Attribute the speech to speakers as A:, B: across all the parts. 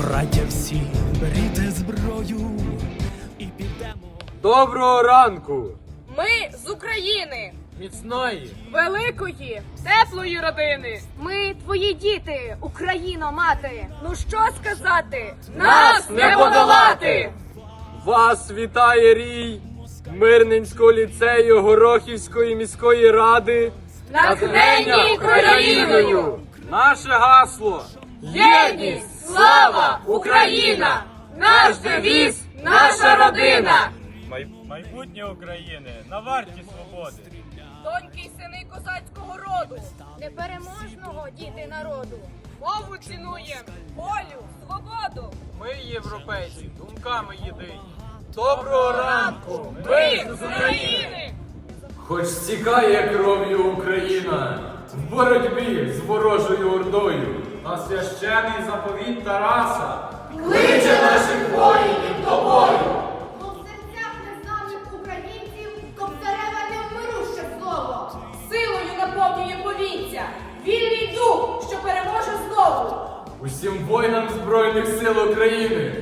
A: Браття всі, беріте зброю і підемо.
B: Доброго ранку!
C: Ми з України,
B: Міцної!
C: великої, теплої родини.
D: Ми твої діти, Україно, мати.
C: Ну що сказати? Нас не подолати!
B: Вас вітає рій Мирненського ліцею Горохівської міської ради.
C: Натхненні Україною!
B: Наше гасло!
C: Єдність, слава, Україна! Наш девіз, наша родина!
E: Майбутнє України на варті свободи.
C: Доньки й сини козацького роду,
D: Непереможного діти народу.
C: мову цінуєм, волю, свободу.
B: Ми європейці, думками єдині. Доброго ранку!
C: Ми з України!
B: Хоч стікає кров'ю Україна в боротьбі з ворожою ордою, на священий заповіт Тараса кличе наших воїнів до бою.
F: Бо в серцях незнаних українців Кобзареве невмируще слово.
C: Силою наповнює повітря, вільний дух, що переможе знову.
B: Усім воїнам Збройних сил України!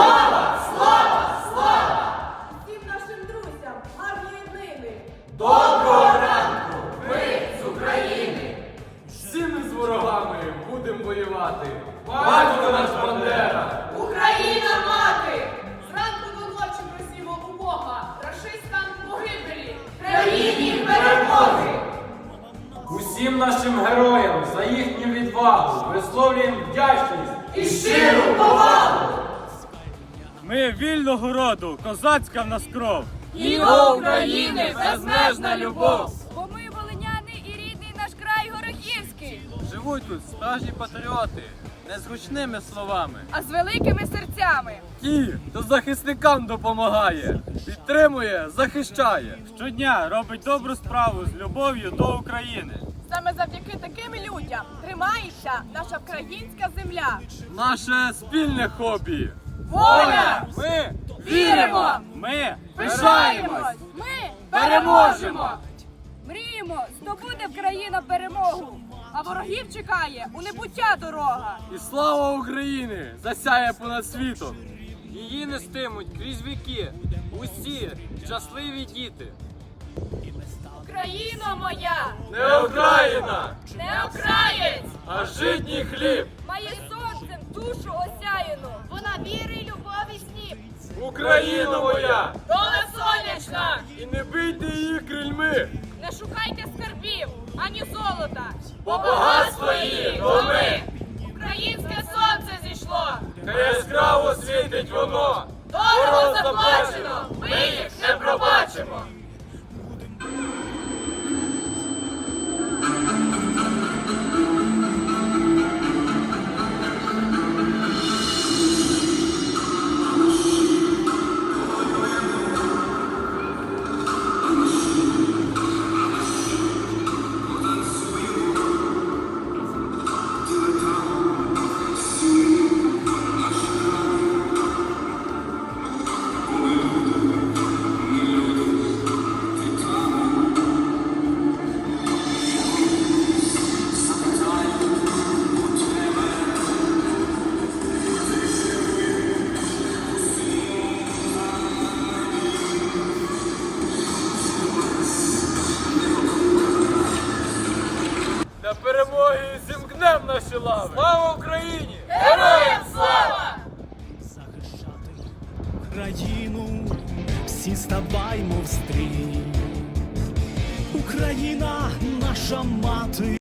F: Всім нашим друзям, гарної днини.
B: Доброго ранку! Ми з України! Всі ми з ворогами будемо воювати! Батько наш Бандера!
C: Україна мати! Зранку до ночі просімо у Бога, рашистам погибелі, країні перемоги!
B: Усім нашим героям за їхню відвагу висловлюємо вдячність
C: І щиру повагу!
E: Ми вільного роду, козацька в нас кров.
C: І до України безмежна любов!
D: Бо ми волиняни і рідний наш край Горохівський.
B: Живуть тут справжні патріоти, не з гучними словами.
D: А з великими серцями.
B: Ті, хто захисникам допомагає, підтримує, захищає.
E: Щодня робить добру справу з любов'ю до України.
C: Саме завдяки таким людям тримається наша українська земля.
B: Наше спільне хобі.
C: Воля!
B: Ми
C: Віримо!
E: Ми
C: Пишаємось!
D: Ми
C: Переможемо!
D: мріємо, здобуде в країна перемогу.
C: А ворогів чекає у небуття дорога.
B: і слава України засяє понад світом. Її нестимуть крізь віки усі щасливі діти.
C: Україно моя!
B: Не Україна,
C: Не окраєць!
B: а житній хліб.
D: Має сонцем душу осяяну.
F: Вона віри, любові, сніп.
B: Україна моя!
C: Доля сонячна!
B: І не бийте її крильми,
C: Не шукайте скарбів, ані золота,
B: бо багатство її то ми.
C: Українське сонце зійшло!
B: Хай яскраво світить воно.
C: Дорого заплачено! Ми їх не пробачимо!
B: Для перемоги зімкнем наші лави. Слава Україні!
C: Героям слава!
A: Захищати країну, всі ставаймо в стрій. Україна наша мати.